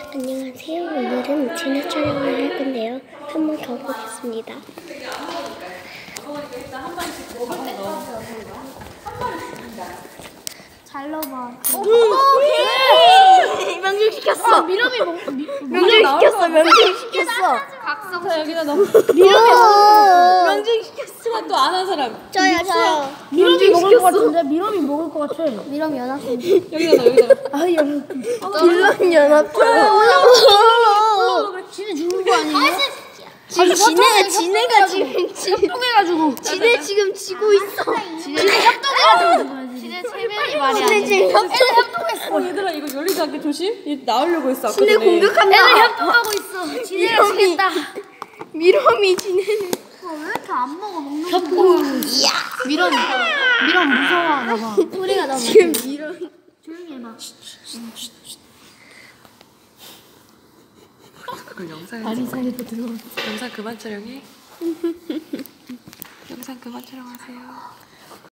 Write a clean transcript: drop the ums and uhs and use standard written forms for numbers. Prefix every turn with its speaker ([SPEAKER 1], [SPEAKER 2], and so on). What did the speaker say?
[SPEAKER 1] 안녕하세요. 오늘은 진화 촬영을 할 건데요. 한번 가보겠습니다. 잘 넣어봐.
[SPEAKER 2] 명중시켰어.
[SPEAKER 1] 미럼이
[SPEAKER 2] 명중시켰어. 명중시켰어.
[SPEAKER 1] 각성.
[SPEAKER 3] 자, 여기다 넣어.
[SPEAKER 2] 명중시켰어.
[SPEAKER 3] 또 안 한 사람.
[SPEAKER 1] 저요.
[SPEAKER 2] 미럼이 먹을 것 같은데? 미럼이 먹을 것 같아.
[SPEAKER 1] 미럼 연합생.
[SPEAKER 3] 여기다 넣어, 여기다 넣어.
[SPEAKER 2] 아, 빌런 연합회.
[SPEAKER 1] 지네 죽는 거 아니에요?
[SPEAKER 2] 지네가 지금 협동해가지고. 지네 지금 지고 있어.
[SPEAKER 1] 지네 협동해가지고. 지네 체면이 말이 안 돼.
[SPEAKER 3] 협동했어. 얘들아, 이거 열리지 않게 조심. 얘 나오려고 했어. 아까
[SPEAKER 2] 지네
[SPEAKER 3] 전에.
[SPEAKER 2] 공격한다.
[SPEAKER 1] 애들 협동하고 있어. 지네를 죽겠다.
[SPEAKER 2] 미럼이 지네는.
[SPEAKER 1] 왜 이렇게 안 먹어? 먹는 거. 미럼 무서워하나 봐. 소리가 너무.
[SPEAKER 2] 지금 미럼.
[SPEAKER 1] 조용히 해봐.
[SPEAKER 3] 그걸 영상에
[SPEAKER 1] 다리 사이로 들어가.
[SPEAKER 3] 영상 그만 촬영해. 영상 그만 촬영하세요.